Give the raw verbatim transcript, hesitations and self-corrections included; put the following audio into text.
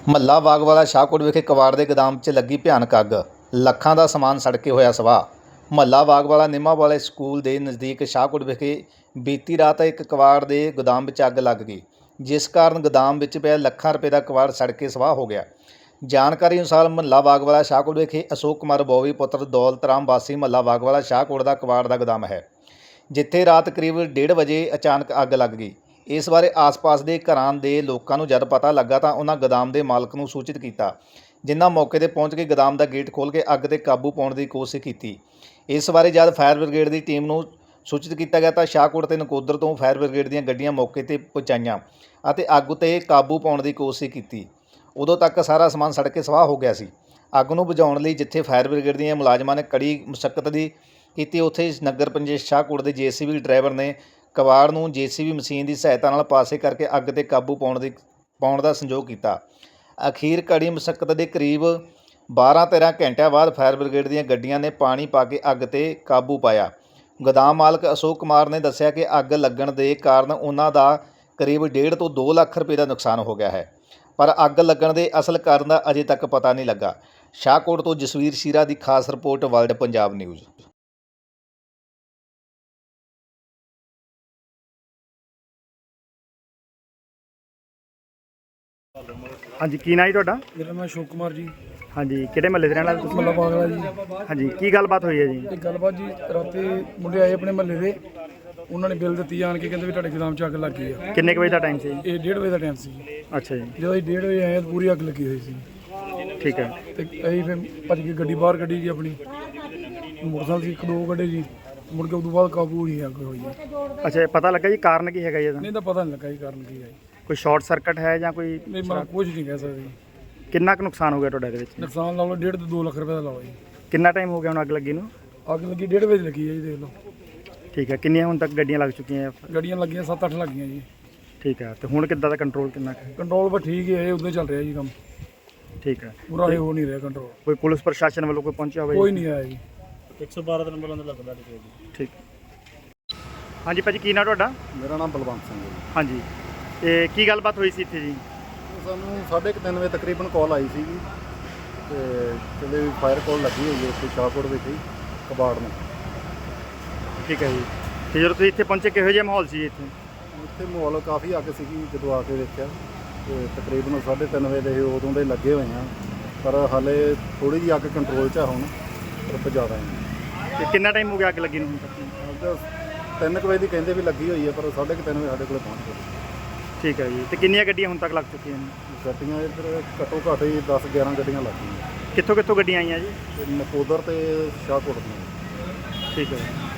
ਮਹੱਲਾ ਬਾਗਵਾਲਾ ਸ਼ਾਹਕੋਟ ਵਿਖੇ ਕਬਾੜ ਦੇ ਗੋਦਾਮ 'ਚ ਲੱਗੀ ਭਿਆਨਕ ਅੱਗ। ਲੱਖਾਂ ਦਾ ਸਮਾਨ ਸੜ ਕੇ ਹੋਇਆ ਸਵਾਹ। ਮਹੱਲਾ ਬਾਗਵਾਲਾ ਨਿੰਮਾ ਵਾਲੇ ਸਕੂਲ ਦੇ ਨਜ਼ਦੀਕ ਸ਼ਾਹਕੋਟ ਵਿਖੇ ਬੀਤੀ ਰਾਤ ਇੱਕ ਕਬਾੜ ਦੇ ਗੋਦਾਮ ਵਿੱਚ ਅੱਗ ਲੱਗ ਗਈ, ਜਿਸ ਕਾਰਨ ਗੋਦਾਮ ਵਿੱਚ ਪਿਆ ਲੱਖਾਂ ਰੁਪਏ ਦਾ ਕਬਾੜ ਸੜ ਕੇ ਸਵਾਹ ਹੋ ਗਿਆ। ਜਾਣਕਾਰੀ ਅਨੁਸਾਰ ਮਹੱਲਾ ਬਾਗਵਾਲਾ ਸ਼ਾਹਕੋਟ ਵਿਖੇ ਅਸ਼ੋਕ ਕੁਮਾਰ ਬੋਵੀ ਪੁੱਤਰ ਦੌਲਤ ਰਾਮ ਵਾਸੀ ਮਹੱਲਾ ਬਾਗਵਾਲਾ ਸ਼ਾਹਕੋਟ ਦਾ ਕਬਾੜ ਦਾ ਗੋਦਾਮ ਹੈ, ਜਿੱਥੇ ਰਾਤ ਕਰੀਬ ਡੇਢ ਵਜੇ ਅਚਾਨਕ ਅੱਗ ਲੱਗ ਗਈ। ਇਸ ਬਾਰੇ ਆਸ-ਪਾਸ ਦੇ ਘਰਾਂ ਦੇ ਲੋਕਾਂ ਨੂੰ ਜਦ ਪਤਾ ਲੱਗਾ ਤਾਂ ਉਹਨਾਂ ਗੋਦਾਮ ਦੇ ਮਾਲਕ ਨੂੰ ਸੂਚਿਤ ਕੀਤਾ, ਜਿਨ੍ਹਾਂ ਮੌਕੇ 'ਤੇ ਪਹੁੰਚ ਕੇ ਗੋਦਾਮ ਦਾ ਗੇਟ ਖੋਲ੍ਹ ਕੇ ਅੱਗ 'ਤੇ ਕਾਬੂ ਪਾਉਣ ਦੀ ਕੋਸ਼ਿਸ਼ ਕੀਤੀ। ਇਸ ਬਾਰੇ ਜਦ ਫਾਇਰ ਬ੍ਰਿਗੇਡ ਦੀ ਟੀਮ ਨੂੰ ਸੂਚਿਤ ਕੀਤਾ ਗਿਆ ਤਾਂ ਸ਼ਾਹਕੋਟ ਤੇ ਨਕੋਦਰ ਤੋਂ ਫਾਇਰ ਬ੍ਰਿਗੇਡ ਦੀਆਂ ਗੱਡੀਆਂ ਮੌਕੇ 'ਤੇ ਪਹੁੰਚਾਈਆਂ ਅਤੇ ਅੱਗ 'ਤੇ ਕਾਬੂ ਪਾਉਣ ਦੀ ਕੋਸ਼ਿਸ਼ ਕੀਤੀ। ਉਦੋਂ ਤੱਕ ਸਾਰਾ ਸਮਾਨ ਸੜ ਕੇ ਸਵਾਹ ਹੋ ਗਿਆ ਸੀ। ਅੱਗ ਨੂੰ ਬੁਝਾਉਣ ਲਈ ਜਿੱਥੇ ਫਾਇਰ ਬ੍ਰਿਗੇਡ ਦੀਆਂ ਮੁਲਾਜ਼ਮਾਂ ਨੇ ਕੜੀ ਮੁਸ਼ੱਕਤ ਦੀ ਕੀਤੀ, ਉੱਥੇ ਨਗਰ ਪੰਚਾਇਤ ਸ਼ਾਹਕੋਟ ਦੇ ਜੇ ਸੀ ਬੀ ਡਰਾਈਵਰ ਨੇ ਕਬਾੜ ਨੂੰ ਜੇ ਸੀ ਬੀ ਮਸ਼ੀਨ ਦੀ ਸਹਾਇਤਾ ਨਾਲ ਪਾਸੇ ਕਰਕੇ ਅੱਗ 'ਤੇ ਕਾਬੂ ਪਾਉਣ ਦੀ ਪਾਉਣ ਦਾ ਸੰਯੋਗ ਕੀਤਾ। ਅਖੀਰ ਕੜੀ ਮੁਸ਼ੱਕਤ ਦੇ ਕਰੀਬ ਬਾਰਾਂ ਤੇਰਾਂ ਘੰਟਿਆਂ ਬਾਅਦ ਫਾਇਰ ਬ੍ਰਿਗੇਡ ਦੀਆਂ ਗੱਡੀਆਂ ਨੇ ਪਾਣੀ ਪਾ ਕੇ ਅੱਗ 'ਤੇ ਕਾਬੂ ਪਾਇਆ। ਗੋਦਾਮ ਮਾਲਕ ਅਸ਼ੋਕ ਕੁਮਾਰ ਨੇ ਦੱਸਿਆ ਕਿ ਅੱਗ ਲੱਗਣ ਦੇ ਕਾਰਨ ਉਹਨਾਂ ਦਾ ਕਰੀਬ ਡੇਢ ਤੋਂ ਦੋ ਲੱਖ ਰੁਪਏ ਦਾ ਨੁਕਸਾਨ ਹੋ ਗਿਆ ਹੈ, ਪਰ ਅੱਗ ਲੱਗਣ ਦੇ ਅਸਲ ਕਾਰਨ ਦਾ ਅਜੇ ਤੱਕ ਪਤਾ ਨਹੀਂ ਲੱਗਾ। ਸ਼ਾਹਕੋਟ ਤੋਂ ਜਸਵੀਰ ਸ਼ੀਰਾ ਦੀ ਖਾਸ ਰਿਪੋਰਟ, ਵਰਲਡ ਪੰਜਾਬ ਨਿਊਜ਼। हाँ जी, की ना जी तुहाडा? मेरा नाम अशोक कुमार जी। हाँ जी, किहड़े महल्ले दे रहण वाले तुसीं? मल्ला बागला जी। हाँ जी, की गलबात हुई है जी? ਇਹ ਗੱਲਬਾਤ ਜੀ ਰਾਤੀ ਮੁੰਡੇ ਆਏ ਆਪਣੇ ਮਹੱਲੇ ਦੇ, ਉਹਨਾਂ ਨੇ ਬਿੱਲ ਦਿੱਤੀ ਆਣ ਕੇ, ਕਹਿੰਦੇ ਵੀ ਤੁਹਾਡੇ ਗੋਦਾਮ 'ਚ ਅੱਗ ਲੱਗ ਗਈ ਆ। किन्ने कुछ बजे का टाइम से? ਇਹ ਡੇਢ ਵਜੇ ਦਾ ਟਾਈਮ ਸੀ। अच्छा जी, ਜਦੋਂ ਅਸੀਂ ਡੇਢ ਵਜੇ ਆਏ ਤਾਂ ਪੂਰੀ ਅੱਗ ਲੱਗੀ ਹੋਈ ਸੀ ठीक है। ਤੇ ਅਸੀਂ ਫਿਰ ਭੱਜ ਕੇ ਗੱਡੀ ਬਾਹਰ ਕੱਢੀ ਜੀ ਆਪਣੀ, ਮੋਟਰਸਾਈਕਲ ਸੀ ਇੱਕ ਦੋ ਕੱਢੇ ਜੀ, ਮੁੜ ਕੇ ਉਦੋਂ ਬਾਅਦ ਕਾਬੂ ਨਹੀਂ ਅੱਗ ਹੋਈ ਜੀ। अच्छा, पता लगा जी कारण की है? ਨਹੀਂ ਤਾਂ ਪਤਾ ਨਹੀਂ ਲੱਗਾ ਜੀ ਕਾਰਨ ਕੀ ਹੈ। कोई शॉर्ट सर्किट है या कोई? ਨਹੀਂ ਮੈਂ ਕੁਝ ਨਹੀਂ ਕਹਿ ਸਕਦਾ ਜੀ। किन्ना कुछ नुकसान हो गया तुहाडे दे विच? ਨੁਕਸਾਨ ਲਾ ਲਓ ਡੇਢ ਤੋਂ ਦੋ ਲੱਖ ਰੁਪਏ ਦਾ ਲਾਓ ਜੀ। किन्ना टाइम हो गया हुण अग लगी नूं? ਅੱਗ ਲੱਗੀ ਡੇਢ ਵਜੇ ਲੱਗੀ ਹੈ ਜੀ, ਦੇਖ ਲਓ। ठीक है, किन्नियां हुण तक गड्डियां लग चुकी हैं? ਗੱਡੀਆਂ ਲੱਗੀਆਂ ਸੱਤ ਅੱਠ ਲੱਗੀਆਂ ਜੀ। ठीक है, तो हुण किद्दां दा कंट्रोल किन्ना कुछ? ਕੰਟਰੋਲ ਬਸ ਠੀਕ ਹੀ ਹੈ, ਉਦੋਂ ਚੱਲ ਰਿਹਾ ਜੀ ਕੰਮ, ठीक है। ਪੂਰਾ ਇਹ ਹੋ ਨਹੀਂ ਰਿਹਾ ਕੰਟਰੋਲ। कोई पुलिस प्रशासन वालों कोई पहुंचा होवे? ਕੋਈ ਨਹੀਂ ਆਇਆ ਜੀ। एक सौ बारह नंबर अंदर लगदा जी। ठीक। हाँ जी भाजी, की ना तुहाडा? ਮੇਰਾ ਨਾਮ ਬਲਵੰਤ ਸਿੰਘ ਹੈ ਜੀ। हाँ जी, ते की गलबात हुई सी इत्थे जी? ਸਾਨੂੰ ਸਾਢੇ ਕੁ ਤਿੰਨ ਵਜੇ ਤਕਰੀਬਨ ਕਾਲ ਆਈ ਸੀਗੀ ਤੇ ਕਹਿੰਦੇ ਵੀ ਫਾਇਰ ਕਾਲ ਲੱਗੀ ਹੋਈ ਹੈ ਇੱਥੇ ਸ਼ਾਹਕੋਟ ਵਿੱਚ ਹੀ ਕਬਾੜ ਨੂੰ। ठीक है जी, ਤੇ ਜਦੋਂ ਤੁਸੀਂ ਇੱਥੇ ਪਹੁੰਚੇ ਕਿਹੋ ਜਿਹਾ ਮਾਹੌਲ ਸੀ ਇੱਥੇ? ਇੱਥੇ ਮਾਹੌਲ ਕਾਫੀ ਅੱਗ ਸੀਗੀ, ਜਦੋਂ ਆ ਕੇ ਦੇਖਿਆ ਤੇ ਤਕਰੀਬਨ ਸਾਢੇ ਤਿੰਨ ਵਜੇ ਦੇ ਉਦੋਂ ਦੇ ਲੱਗੇ ਹੋਏ ਆ, ਪਰ ਹਾਲੇ ਥੋੜ੍ਹੀ ਜਿਹੀ ਅੱਗ ਕੰਟਰੋਲ 'ਚ ਆ ਹੁਣ, ਪਰ ਜ਼ਿਆਦਾ ਨਹੀਂ। ਤੇ ਕਿੰਨਾ ਟਾਈਮ ਹੋ ਗਿਆ ਅੱਗ ਲੱਗੀ ਨੂੰ ਹੁਣ ਤੱਕ? ਅੱਗ ਤਿੰਨ ਕੁ ਵਜੇ ਦੀ ਕਹਿੰਦੇ ਵੀ ਲੱਗੀ ਹੋਈ ਹੈ, ਪਰ ਸਾਢੇ ਕੁ ਤਿੰਨ ਵਜੇ ਸਾਡੇ ਕੋਲ ਪਹੁੰਚ ਗਈ। ਠੀਕ ਹੈ ਜੀ, ਤੇ ਕਿੰਨੀਆਂ ਗੱਡੀਆਂ ਹੁਣ ਤੱਕ ਲੱਗ ਚੁੱਕੀਆਂ ਨੇ? ਗੱਡੀਆਂ ਇੱਧਰ ਘੱਟੋ ਘੱਟ ਹੀ ਦਸ ਗਿਆਰਾਂ ਗੱਡੀਆਂ ਲੱਗ ਗਈਆਂ, ਕਿੱਥੋਂ ਕਿੱਥੋਂ ਗੱਡੀਆਂ ਆਈਆਂ ਜੀ? ਤੇ ਨਕੋਦਰ ਤੇ ਸ਼ਾਹਕੋਟ ਦੀਆਂ। ਠੀਕ ਹੈ।